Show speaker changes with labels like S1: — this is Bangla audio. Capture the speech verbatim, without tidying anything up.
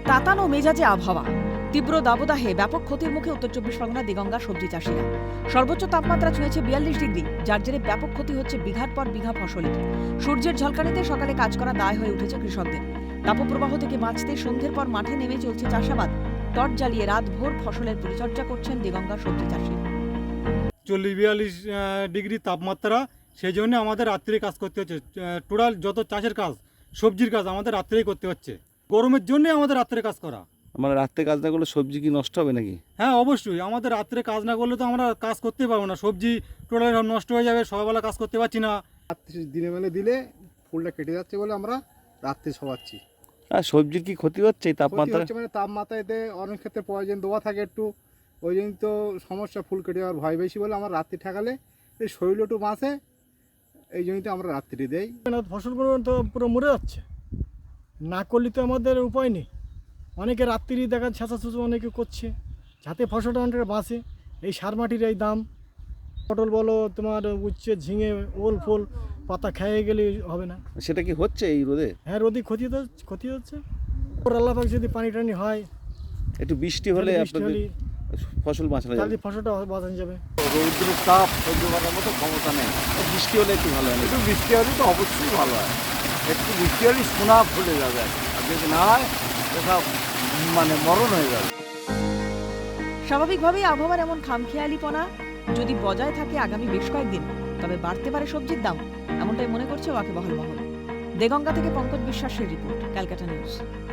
S1: তাতানো মেজাজে আবহাওয়া, তীব্র দাবদাহে ব্যাপক ক্ষতির মুখে উত্তর চব্বিশ পরগনা দিগঙ্গা সবজি চাষিরা। সর্বোচ্চ তাপমাত্রা ছুঁয়েছে বিয়াল্লিশ ডিগ্রি, যার জেরে ব্যাপক ক্ষতি হচ্ছে বিঘার পর বিঘা ফসলের। সূর্যের ঝলকানিতে সকালে কাজ করা দায় হয়ে উঠেছে কৃষকদের। তাপপ্রবাহ থেকে বাঁচতে সন্ধ্যের পর মাঠে নেমে চলছে চাষাবাদ। টর্চ জ্বালিয়ে রাত ভোর ফসলের পরিচর্যা করছেন দিগঙ্গা সবজি চাষি।
S2: চল্লিশ বিয়াল্লিশ ডিগ্রি তাপমাত্রা, সেই জন্য আমাদের রাত্রে কাজ করতে হচ্ছে। টোটাল যত চাষের কাজ, সবজির কাজ আমাদের রাত্রেই করতে হচ্ছে। গরমের জন্য আমাদের রাত্রে কাজ করা।
S3: মানে রাত্রে কাজ না করলে সবজি কি নষ্ট হবে নাকি?
S2: হ্যাঁ, অবশ্যই। আমাদের রাত্রে কাজ না করলে তো আমরা কাজ করতে পারবো না, সবজি টোটাল নষ্ট হয়ে যাবে, সকালবেলা কাজ করতে পারছি না।
S4: রাত্রি দিনে বেলা দিলে ফুলটা কেটে যাচ্ছে বলে আমরা রাত্রে শোয়াচ্ছি।
S3: আর সবজির কি ক্ষতি হচ্ছে এই তাপমাত্রা?
S4: মানে তাপমাত্রাতে অনেক ক্ষেত্রে প্রয়োজন দেওয়া থাকে একটু, ওই জন্য তো সমস্যা, ফুল কেটে যাওয়ার ভয় বেশি বলে আমরা রাত্রি ঠেকালে এই শরীর একটু বাঁচে, এই জন্যই তো আমরা রাত্রি দেই।
S5: ফসলগুলো তো পুরো মরে যাচ্ছে, না করলে তো আমাদের উপায় নেই। অনেকে রাত্রি দেখা ছেঁচা ছুঁচো অনেকে করছে যাতে ফসলটা অনেকটা বাঁচে। এই সার মাটির এই দাম, পটল বলো তোমার উচ্ছে, ঝিঙে, ওল ফোল পাতা খেয়ে গেলে হবে না।
S3: সেটা কি হচ্ছে এই রোদে?
S5: হ্যাঁ, রোদি ক্ষতি তো ক্ষতি হচ্ছে। ওর আল্লাহ পাক যদি পানি টানি হয়,
S3: একটু বৃষ্টি হলে
S5: বৃষ্টি
S3: আপনাদের
S5: হলে
S3: ফসল বাঁচানো
S5: তাহলে
S3: যাবে।
S5: ফসলটা বাঁচানো যাবে।
S6: রৌদ্রের তাপ সহ্য করার মতো ক্ষমতা নেই।
S3: বৃষ্টি হলে একটু ভালো হয়।
S6: একটু বৃষ্টি হলে তো অবশ্যই ভালো হয়। একটু বৃষ্টি হলে সোনা ফুলে যাবে, আর যদি না হয় সব মানে মরণ হয়ে যাবে।
S1: স্বাভাবিকভাবেই আবহাওয়ার এমন খামখেয়ালিপনা যদি বজায় থাকে আগামী বেশ কয়েকদিন, তবে বাড়তে পারে সবজির দাম, এমনটাই মনে করছে ওয়াকিবহাল মহল। দেগঙ্গা থেকে পঙ্কজ বিশ্বাসের রিপোর্ট, ক্যালকাটা নিউজ।